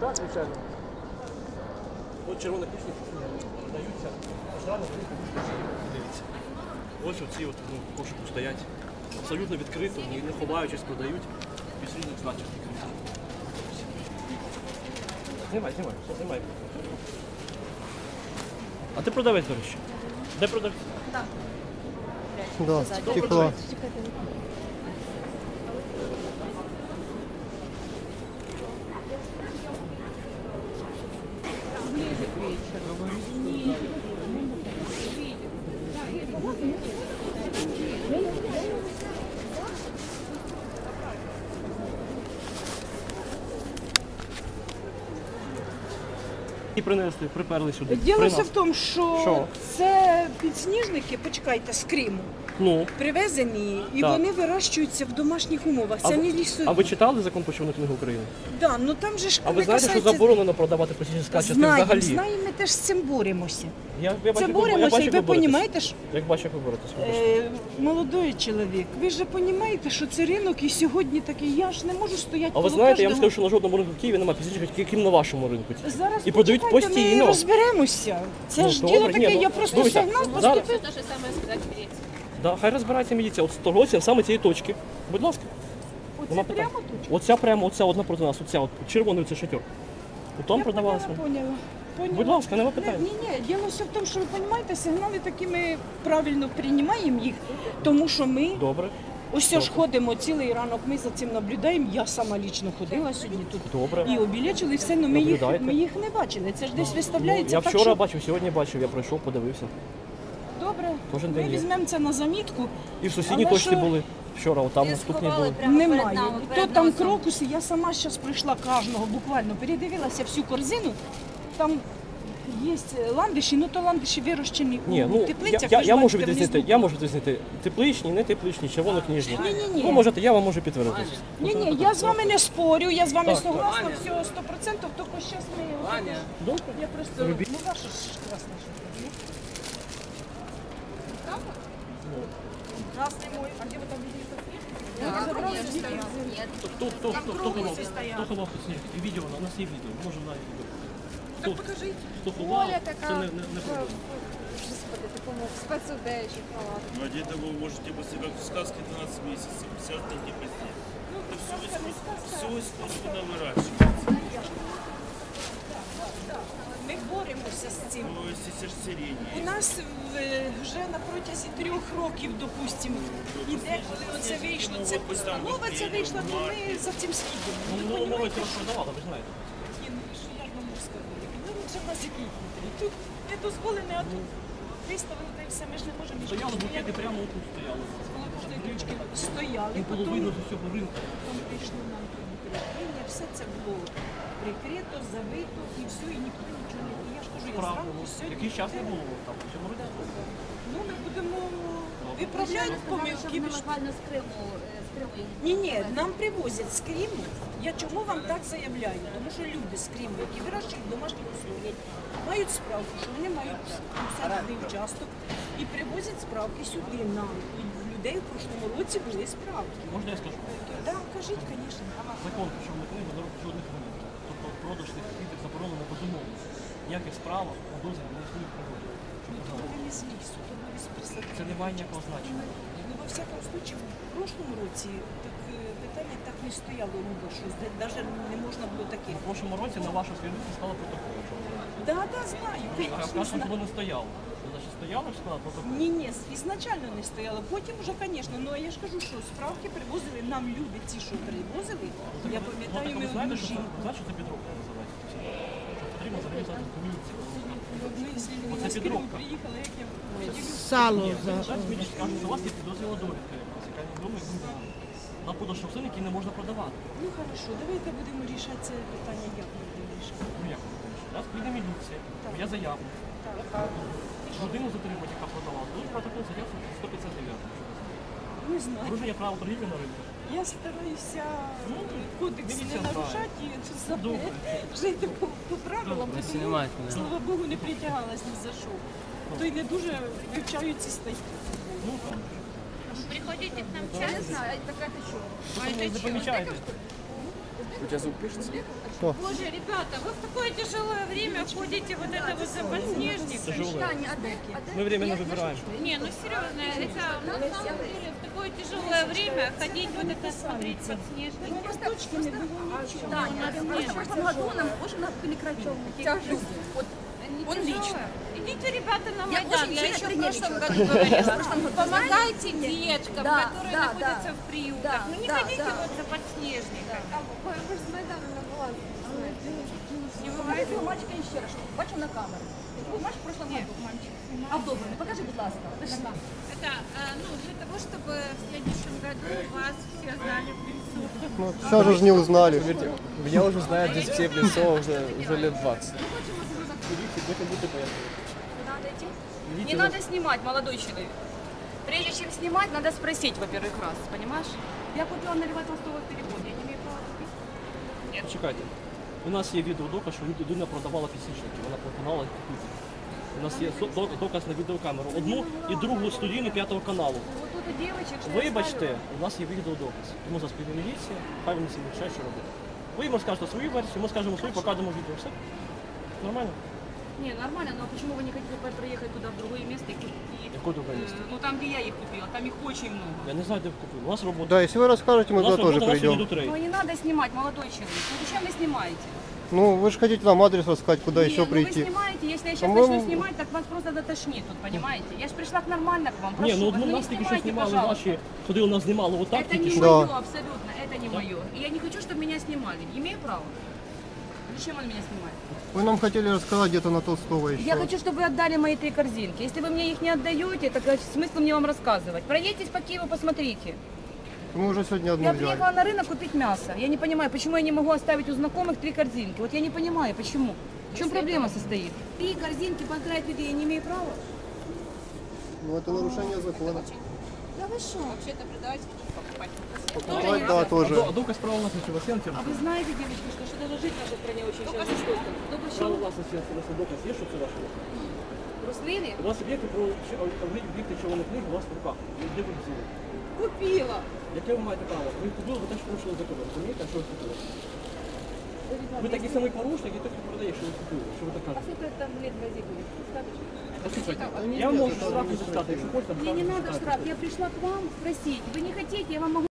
Так, звичайно. От червоні кишні продаються. Дивіться. Ось оці от кошику стоять. Абсолютно відкрито, не ховаючись, продають. Без різних значень. Знімай, все знімай. А ти продавець, до речі? Де продавець? Так. Да, стекло. І принесли, приперли сюди. Діло все в тому, що це підсніжники, почекайте, з Криму. Ну. Привезені, і Так. вони вирощуються в домашніх умовах. Це не лісові. А ви читали закон про червону книгу України? Да, ну там же ж А ви не знаєте, що касається- заборонено продавати пластичні скачки взагалі? Знаємо, ми теж з цим боремося. Я Це бачу, боремося, і ви як розумієте, що Як бачу, як ви боретесь. молодий чоловік, ви ж розумієте, що це ринок і сьогодні такий, я ж не можу стояти А ви коло знаєте, я вам кожного. скажу, що на жодному ринку в Києві немає пластичних, крім на вашому ринку. Зараз І продають почекайте, ми постійно. розберемося. Це Ну, ж добре, діло ні, таке, ну, я просто дивіться, сигнал зараз- поступив. То же самое сказать в Греции. Да, хай розбирається міліція. От торговці саме цієї точки. Будь ласка. Оце Нема питань. прямо тут? Оця прямо, оця одна проти нас, оця от червоний це шатер. Там продавалося. Поняла. Будь ласка, нема питань. Ні, діло все в тому, що ви розумієте, сигнали такі ми правильно приймаємо їх, тому що ми Добре. ось ж ходимо цілий ранок, ми за цим наблюдаємо. Я сама лічно ходила сьогодні тут Добре. і обілечили все, але Наблюдайте. ми їх не бачили. Це ж десь Ну, виставляється я так, вчора що... бачив, сьогодні бачив, я пройшов, подивився. Добре, Кожен ми день є. візьмемо це на замітку. І в сусідній Але точці що- були вчора, отам наступні були. Немає. То там крокуси, я сама зараз прийшла кожного, буквально передивилася всю корзину. Там є ландиші, ну то ландиші вирощені Ні, у ну теплицях. я ви ж можу бачите, відрізнити, внизу. я можу відрізнити тепличні, не тепличні, червонокніжні. Ні-ні-ні. Ви можете, я вам можу підтвердити. Ні, я з вами не спорю, я з вами Так. согласна, все 100%, тільки зараз ми... Добре. Я просто... Робіть. Ну, ваша ж красна штука. Красный мой. А где вы там видели такие? Да, конечно, нет. Хто ховав тут сніг? І відео, у нас є відео, може на відео. Так покажите. Хто ховав, Оля це така, не проблема. господи, такому спецодежі халат. Но одеть вы можете после как в сказке 12 месяцев, 50 дней позднее. Это все искусственно выращивается. Ми боремося з цим. То есть это же сирень. У нас вже на протязі 3 років, допустимо, іде, коли оце вийшло, це постанова ця вийшла, то ми за цим слідимо. Ну, Ви мова розумієте, цього продавала, ви знаєте. Ні, ну що я ж вам можу сказати? Ну лучше в нас який кінтрі. Тут не дозволене, а тут виставили, та й все, ми ж не можемо нічого Стояли стояти. букети прямо тут стояли. Коло кожної точки стояли, І було потім видно з усього ринку. там прийшли нам перекриття, все це було прикрито, забито і все, і ніхто нічого не... Я ж кажу, я Правильно. зранку сьогодні... Якийсь час не було там, у цьому році. Ну, ми будемо виправляти помилки. Буквально з Криму їх. Ні, нам привозять з Криму. Я чому вам так заявляю? Тому що люди з Криму, які вирощують домашніх условиях, мають справку, що вони мають садовий участок і привозять справки сюди нам. І в людей в прошлому році були справки. Можна я скажу? Так, кажіть, звісно. Закон про червону книгу не робить жодних вимог. Тобто продаж цих квітів заборонено безумовно. Ніяких справок на дозвіл не існує в природі. Щоб ви знали. Ви не з лісу, то ви з присадки. Це не має ніякого значення. Ну, во всякому случае, в прошлому році так, питання так не стояло, що навіть не можна було таке. В прошлому році на вашу сторінку стало протокол. Да, знаю. А в нашому було не стояло. Значить, стояло чи сказала протокол? Ні, ізначально не стояло. Потім вже, звісно, ну а я ж кажу, що справки привозили нам люди, ті, що привозили. Я пам'ятаю, Ну, ми так, знаєте, одну що це, жінку. знаєте, що це підробка називається? Що потрібно зав'язати комісію. Ми з людьми Оце з Криму підробка. приїхали, як я поділюсь. Сало за... Зараз мені скажуть, що у вас є підозріла довідка якась, яка невідома і грубо. На подаж рослин, які не можна продавати. Ну хорошо, давайте будемо рішати це питання, як ми будемо рішати. Ну як? Зараз прийде міліція, я заяву. Так. Людину затримати, яка продавала. Тут протокол заяву 159. Не знаю. Порушення права торгівлі на ринку. Я стараюся Ну, кодекс не дивіться, нарушати і Добре. жити по правилам, Не тому, знімайте мене. слава Богу, не притягалась ні за що. То й не дуже вивчаю ці статті. Ну, там. Приходите к нам Я не знаю, така ти що? Ви не помічаєте. У тебя звук пишется? Боже, ребята, вы в такое тяжелое время ходите вот это вот за подснежником. Тяжелое. Мы временно выбираем. Не, ну серьезно, это на самом деле в такое тяжелое время ходить вот это смотреть подснежники. Таня, в прошлом году нам очень прекратил. Вот он лично. Идите, ребята, на Я Майдан. очень Я сильно еще в тренировалась. прошлом году говорила. В прошлом году. Помогайте деткам, Да, которые да, находятся да. в приютах. Да, Ну не да, ходите да. вот за подснежником. Ви ж з Майдану на балансі. Не Покажи бывает. свого мальчика ще раз, щоб бачив на камеру. Ти був мальчик в прошлом году. А добре, ну покажи, будь ласка. Это, ну, для того, чтобы в следующем году вас все знали в лицо. Ну, сейчас же ж не узнали. Поверьте, меня уже знают здесь все в лицо уже лет 20. Не надо снимать, молодой человек. Прежде чем снимать, надо спросить, во-первых, раз, понимаешь? Я купила на Льва Толстого перевод, я не имею права купить. Чекайте. У нас є відеодоказ, що людина продавала підсвічники, вона пропонувала їх купити. У нас є доказ на відеокамеру. Одну і другу студійну 5-го каналу. Вот тут у девочек, что Вибачте, у нас є відеодоказ. Тому за спільну міліція, хай вони собі вирішають, що робити. Ви йому скажете свою версію, ми скажемо свою, покажемо відео. Все? Нормально? Не, нормально, но почему вы не хотите проехать туда, в другое место и купить? Яке друге місце? Ну там, где я их купила, там их очень много. Я не знаю, де ви купили. У нас робота. Да, если вы расскажете, мы У нас туда тоже робота, у нас придем. сьогодні до 3. Ну не надо снимать, молодой человек. Ну зачем вы снимаете? Ну, вы же хотите нам адрес рассказать, куда Не, еще ну вы прийти. снимаете, если я сейчас По-моему- начну снимать, так вас просто затошнит тут, понимаете? Я же пришла к нормально к вам, прошу Ні, ну вас, одну не нас тільки що снимайте, знімали пожалуйста. наші, ходили, нас знімали отак, Это тільки не що. Да. мое, абсолютно, это не мое. И я не хочу, чтобы меня снимали. Имею право. Зачем он меня снимает? Вы нам хотели рассказать где-то на Толстого еще. Я хочу, чтобы вы отдали мои 3 корзинки. Если вы мне их не отдаете, так смысл мне вам рассказывать. Проедьтесь по Киеву, посмотрите. Мы уже сегодня одну Я взяли. приехала на рынок купить мясо. Я не понимаю, почему я не могу оставить у знакомых 3 корзинки. Вот я не понимаю, почему. В чем проблема состоит? 3 корзинки поздравить людей я не имею права. Ну, это нарушение закона. Да вы что? Вообще-то продавать покупать. Покупать, да, тоже. А доказ права власності у вас є на цьому? А вы знаете, девочки, что даже жить в нашей стране очень сейчас жестоко. Только Право что? власності на це доказ є, що це ваше? Руслины? У вас об'єкти про об'єкти червоних книг у вас в руках. Де ви їх взяли? Купила. Яке ви маєте право? Ви їх купили, ви теж порушили закон. Розумієте, що ви купили? Ви такий самий порушник, і той, хто продає, що ви купили. Що ви так А кажете? сколько там лет в Азии будет? Достаточно? Послухайте, я вам можу штраф записати, якщо хочете. Мне не надо штраф, я пришла к вам спросить. Вы не хотите, я вам могу